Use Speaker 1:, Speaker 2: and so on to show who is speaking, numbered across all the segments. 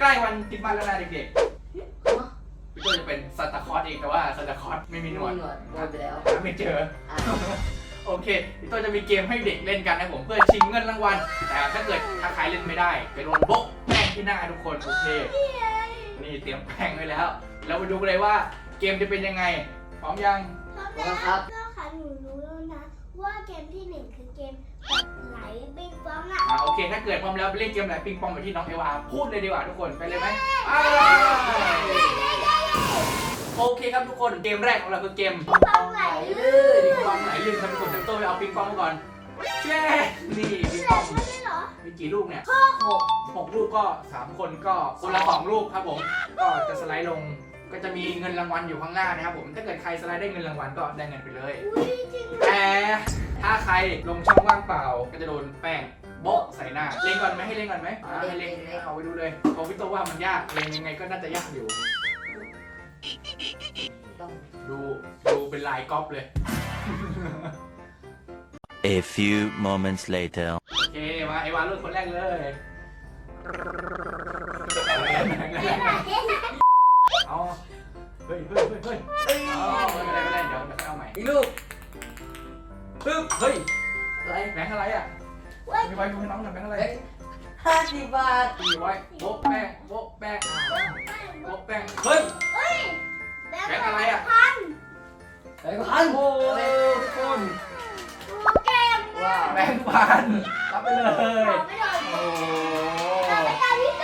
Speaker 1: ล้วันคริสต์มาสแล้วนะเด็กๆพี่ตัวจะเป็นซานตาคลอสเองแต่ว่าซานตาคลอสไม่มีหนวด
Speaker 2: โดนไปแล้ว
Speaker 1: หาไม่เจอโอเคพี่ตัวจะมีเกมให้เด็กเล่นกันนะผมเพื่อชิงเงินรางวัลแต่ถ้าเกิดถ้าใครเล่นไม่ได้ไปโดนโบ๊ะแป้งที่หน้าทุกคนโอเคนี่เตรียมแป้งไว้แล้วไปดูกันเลยว่าเกมจะเป็นยังไงพร้อมยัง
Speaker 3: พร้อมแล้วครับก็ค่ะหนูรู้แล้วนะว่าเกมที่1คือเกมแบบไหลบิ๊กฟองอ่ะ
Speaker 1: โอเคถ้าเกิดพร้อมแล้วไปเล่นเกมไหนปิงปองแบบที่น้องเอวาพูดเลยดีกว่าทุกคนไปเลยไหมโอเคครับทุกคนเกมแรกของเราคือเกม
Speaker 3: บิ๊กฟองไหลลื่น
Speaker 1: ปิงปองไหนลื่นครับทุกคนเต็มตัวไปเอาปิงปองมาก่อนแช่นี่ปิงปอง
Speaker 3: ใช่ไหมเหรอ
Speaker 1: มีกี่ลูกเนี่ย
Speaker 2: 6
Speaker 1: 6 ลูกก็3คนก็คนละ2ลูกครับผมก็จะสไลด์ลงก็จะมีเงินรางวัลอยู่ข้างหน้านะครับผมถ้าเกิดใครสไลด์ได้เงินรางวัลก็ได้เงินไปเลย
Speaker 3: อุ้ยจริง
Speaker 1: แต่ถ้าใครลงช่องว่างเปล่าก็จะโดนแป้งโบ๊ะใส่หน้าเล่นก่อนไหมให้เล่นก่อนไหมให้เล่นเอาไปดูเลยเอาพี่โตว่ามันยากเล่นยังไงก็น่าจะยากอยู่
Speaker 2: ต้อง
Speaker 1: ดูเป็นลายก๊อปเลย
Speaker 4: A few moments later.
Speaker 1: โอเคมาไอวานรุ่นคนแรกเลยเอาเฮ้ยเอาไม่เป็นไรเดี๋ยวเอาใหม่
Speaker 2: อีกลูก
Speaker 1: ปึ๊บเฮ้ย
Speaker 2: อะไร
Speaker 1: แบงค์อะไรอ่ะมีไว้ดูให้น้องหน่อยแบงค์อะไร
Speaker 2: 50 บาท
Speaker 1: มีไว้โบ๊ะแป้งโบ๊ะแป้งโบ๊ะแป้งเฮ้ยแบงค์อะไรอ่ะ
Speaker 2: ไปพัน
Speaker 1: โอ้ทุกคน
Speaker 3: เกม
Speaker 2: ว้าว
Speaker 1: แบงค์พันรับไปเลย
Speaker 3: ไม่โดน
Speaker 1: โอ้
Speaker 3: เราไปตามพี่โต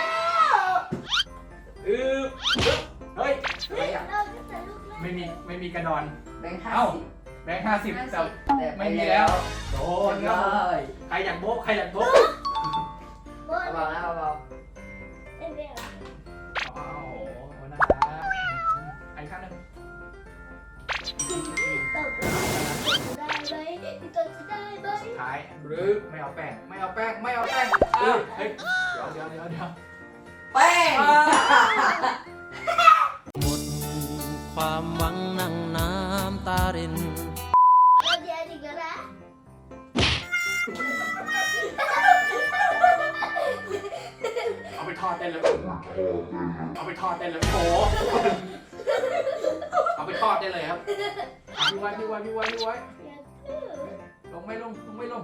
Speaker 1: เฮ้ยอะไรอ่ะ
Speaker 3: เราจะใส่ลูก
Speaker 1: ไม่มีกระดอน
Speaker 2: แบงค์
Speaker 1: เอ้า
Speaker 2: 50
Speaker 1: แบงค์50แต่
Speaker 2: แต่
Speaker 1: ไม่มีแล้วโดน
Speaker 2: เล
Speaker 1: ครับผม
Speaker 2: ย
Speaker 1: ใครอยากโบ๊ะใครอยากโบ๊ะ
Speaker 3: เบอร์
Speaker 2: เบาๆนะเบา
Speaker 3: เอ็มเบล
Speaker 1: โอ้โหน่ารักไอ้ข้างนึง
Speaker 3: ตบได้ไหมพี่โตจะได้ไหม
Speaker 1: สุดท้ายหรือไม่เอาแป้งเฮ้ยเดี๋ยว
Speaker 2: ๆแป้ง
Speaker 4: หมดความหวังนั่งน้ำตาริน
Speaker 3: เราเดียวดีกันนะ
Speaker 1: เอาไปทอดได้เลยเอาไปทอดได้เลยโอ้เอาไปทอดได้เลยครับพี่ไว้ลงไม่ลง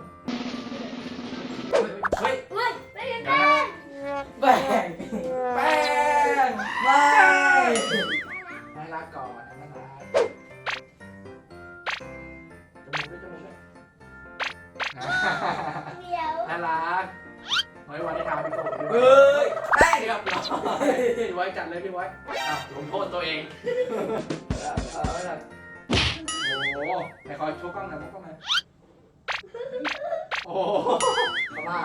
Speaker 1: เฮ้ย
Speaker 3: เว้ยไม่ยังไง
Speaker 2: แป้ง
Speaker 1: แป้ง
Speaker 2: ไม่
Speaker 1: น่ารักก่อนน่ารักจมูกด้วย
Speaker 3: เดียว
Speaker 1: น่ารักไว้วันได้ทำพี่โต
Speaker 2: เอ้ยแป้ง
Speaker 1: เรียบร้อยพี่ไว้จัดเลยพี่ไว้อ้าวลงโทษตัวเองโอ้โหไหนขอโชว์กล้องหน่อยโอ้โห
Speaker 2: เข้ามา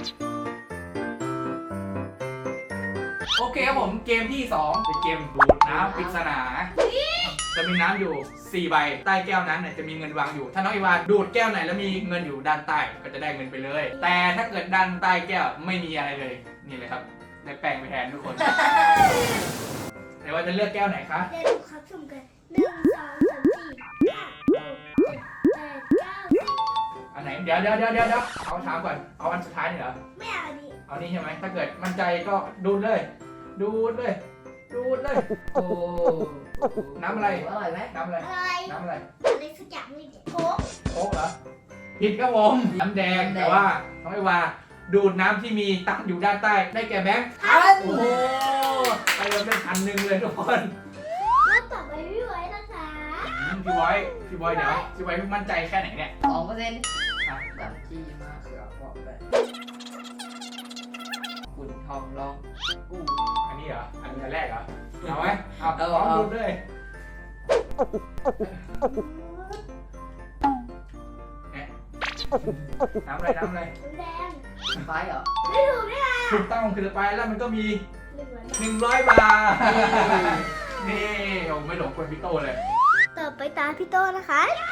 Speaker 1: โอเคครับผมเกมที่ 2 เป็นเกมดูดน้ำปริศนาจะมีน้ำอยู่ 4 ใบใต้แก้วนั้นเนี่ยจะมีเงินวางอยู่ ถ้าน้องอีวานดูดแก้วไหนแล้วมีเงินอยู่ด้านใต้ก็จะได้เงินไปเลย แต่ถ้าเกิดด้านใต้แก้วไม่มีอะไรเลยนี่เลยครับได้แปลงไปแทนทุกคนแต่ว่าจะเลือกแก้วไหนคะ
Speaker 3: เดี๋ยวดูครับสุ่มกัน1 2 3 4 5 6 7 8 9 10
Speaker 1: อันไหนเดี๋ยวเอาถามก่อนเอาอันสุดท้ายนี่เหรอ
Speaker 3: ไม่เอาดิ
Speaker 1: เอานี่ใช่ไหมถ้าเกิดมั่นใจก็ดูดเลย
Speaker 2: โอ้
Speaker 1: น้ำอะไร
Speaker 2: อร่อยไหม
Speaker 1: น้ำอะไร
Speaker 3: อะไร
Speaker 1: น้ำอะไร
Speaker 3: อะไรสักอย่างนี่เด็กโค้ก
Speaker 1: โค้กเหรอผิดครับผมน้ำแดงแต่ว่าน้องไอวาดูดน้ำที่มีตั้งอยู่ด้านใต้ได้แก่แบงค์
Speaker 2: พัน
Speaker 1: โอ้โหไปเราได้1,000เลยทุกคน
Speaker 3: แล้วต่อไปพี่ไว้นะคะ
Speaker 1: พี่บอยเดี๋ยวพี่บอยมั่นใจแค่ไหนเนี่ย
Speaker 2: 2%แบบที่มาเขือบอกไปคุณทองลองกู้
Speaker 1: อันนี้เหรออันแรกเหรอเอาไหมเอา
Speaker 2: เอา
Speaker 1: พร้อมดูดเลยน้ำอะไร
Speaker 3: น้ำแดง
Speaker 2: ไฟเหรอ
Speaker 3: ไม่ถูกได้ไง
Speaker 1: ถูกต้องคือไปแล้วมันก็มี
Speaker 3: 100 บาท
Speaker 1: 100 บาทนี่โอ้ไม่หลงคนพี่โตเลย
Speaker 3: ต่อไปตาพี่โตนะคะ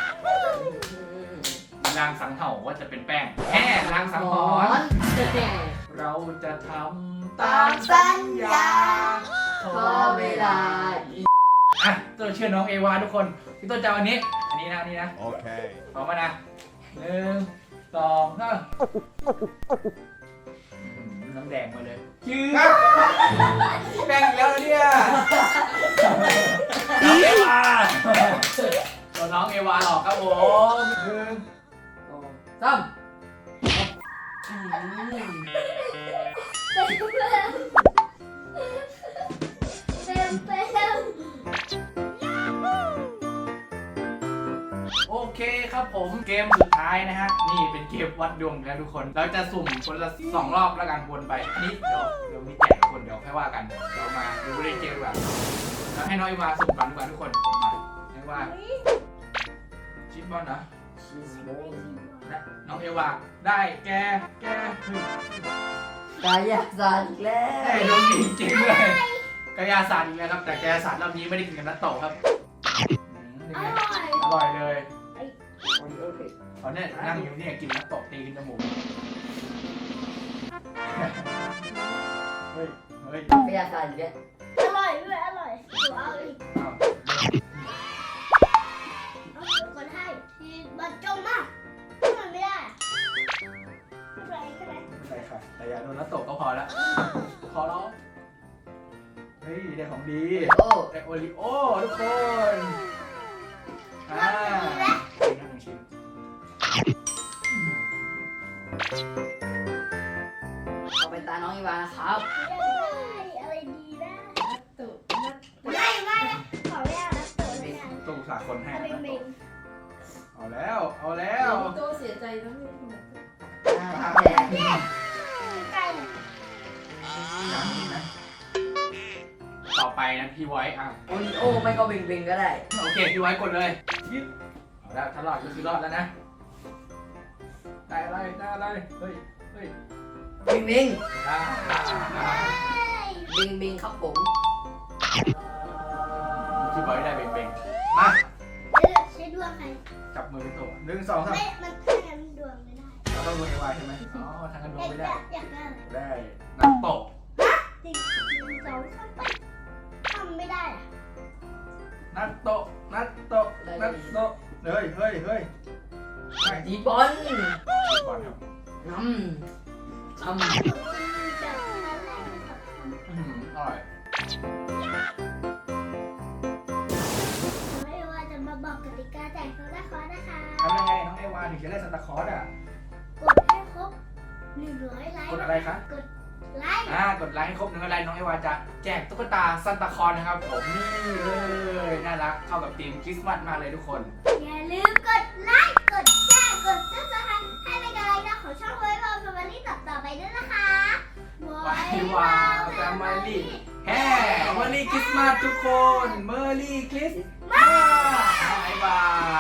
Speaker 1: ลางสังเห่าว่าจะเป็นแป้งแค่ลางสังหรณ์เราจะทำตามสัญญา
Speaker 2: ขอเวลา
Speaker 1: อ่ะตัวเชื่อน้องเอวาทุกคนพี่ต้นจะเอาอันนี้นะ
Speaker 4: Okay.
Speaker 1: พร้อมมานะ1 2 3 น้ำแดงมาเลยชื่อแป้งอีกแล้วเนี่ยน้องเอวาโดนน้องเอวาหลอกครับผม1
Speaker 2: 2 3
Speaker 3: เต็ม
Speaker 1: โอเคครับผมเกมสุดท้ายนะฮะนี่เป็นเกมวัดดวงแล้วทุกคนเราจะสุ่มคนละ2 รอบแล้วกันวนไปอันนี้เดี๋ยวมีแจกคนเดี๋ยวค่อยว่ากันเรามาดูเล่นเกมดีกว่าแล้วให้น้องเอวาสุ่มก่อนดีกว่าทุกคนมาเอวาชิปบอลนะ
Speaker 2: ชีสบอล
Speaker 1: และน้องเอวาได้แก
Speaker 2: กายศาสตร์อีกแล้
Speaker 1: ได้
Speaker 2: ว
Speaker 1: โดนดีจริงเลยกายาศาสตร์อีกแล้วครับแต่กายาศาสตร์รอบนี้ไม่ได้กินกับนัตโตะครับนี่
Speaker 3: อ
Speaker 1: ไง
Speaker 3: ร่อย
Speaker 1: อร่อยเลย
Speaker 2: โอริโอเผ็ด
Speaker 1: เขาเนี่ยนั่งอยู่เนี่ยกินนัตโตะตีขึ้นจมูกเฮ้ย
Speaker 2: กายศาสตร์อีกแล้ว
Speaker 3: อร่อยด้วยอร่อยหนูเอาอีก
Speaker 1: อ้าว
Speaker 3: เอาเดี๋ยวคนให้ที่บันจงมากมันไม่ได้ไม่เป็นไรใช่ไหม
Speaker 1: ใช่ค่ะแต่อย่าโดนนัตโตะก็พอละพอแล้วเฮ้ยได้ของดี
Speaker 2: โอ้
Speaker 1: ได้โอริโอทุกคนชิ้นหนึ่งชิ้น
Speaker 2: เอาไปตาน้องอีวานะครับ
Speaker 3: อะไรดีนะไม่ขอไม่เอานะเติมไม่เอา
Speaker 1: ตู้สาคนให้
Speaker 3: เอา
Speaker 1: นะ
Speaker 3: เบ่ง
Speaker 1: เอาแล้วเอาแล้ว
Speaker 5: โตเสียใจแล้วไม่ทำไม
Speaker 2: แดง
Speaker 3: ๆใกล้
Speaker 1: อย่างนี้นะต่อไปนะพี่ไว้อ่ะ
Speaker 2: โอริโอไม่ก็เบ่งๆก็ได้
Speaker 1: โอเคพี่ไว้กดเลยยิบเอาแล้วถ้ารอดก็คือรอดแล้วนะได้อะไรเฮ้ย
Speaker 2: เบ่ง
Speaker 1: ได้
Speaker 2: ๆเบ่งๆครับผม
Speaker 1: พี่ไว้ได้เบ่งๆมา
Speaker 3: ใช้ดวงใคร
Speaker 1: จับมือเป็นตัว1 2 3
Speaker 3: ไม่มันถ้างั้นดวงไม่ได้
Speaker 1: เราต้องดูไอวายใช่ไหมอ๋อทางกันดวงไม่ได้
Speaker 3: อยากได้
Speaker 1: ได้นักโตะ
Speaker 3: จริง1 2 3ไปทำไม่ได้อะ
Speaker 1: นักโตะเฮ้ย
Speaker 2: ดีบอล
Speaker 1: บอลครับ
Speaker 2: น้ำ
Speaker 3: แบบนั้นแรกเป็นแบบทำ
Speaker 1: อร่อย
Speaker 3: ไม่ว่าจะมาบอกกติกาแจกโซดาคอร์นะคะ
Speaker 1: ทำยังไงน้องไอวาถึงจะได้ซันตาคลอสอ่ะ
Speaker 3: กดให้ครบ100ไลค์
Speaker 1: กดอะไรคะ
Speaker 3: กดไลค์
Speaker 1: กดไลค์ให้ครบ100 ไลค์น้องไอวาจะแจกตุ๊กตาซันตาคลอสนะครับผมนี่เลยน่ารักเข้ากับธีมคริสต์มาสมากเลยทุกคน
Speaker 3: อย่าลืมกดไลค์ กดแชร์ กดซับสไครต์ให้เป็นกำลังใจของช่องไว้บอลแฟมิลี่ต่อไปด้วยนะคะไว้บอลแฟมิลี่
Speaker 1: แฮ่เมอร์รี่คริสต์มาสทุกคนเมอร์รี่คริสต์มาสบ๊ายบาย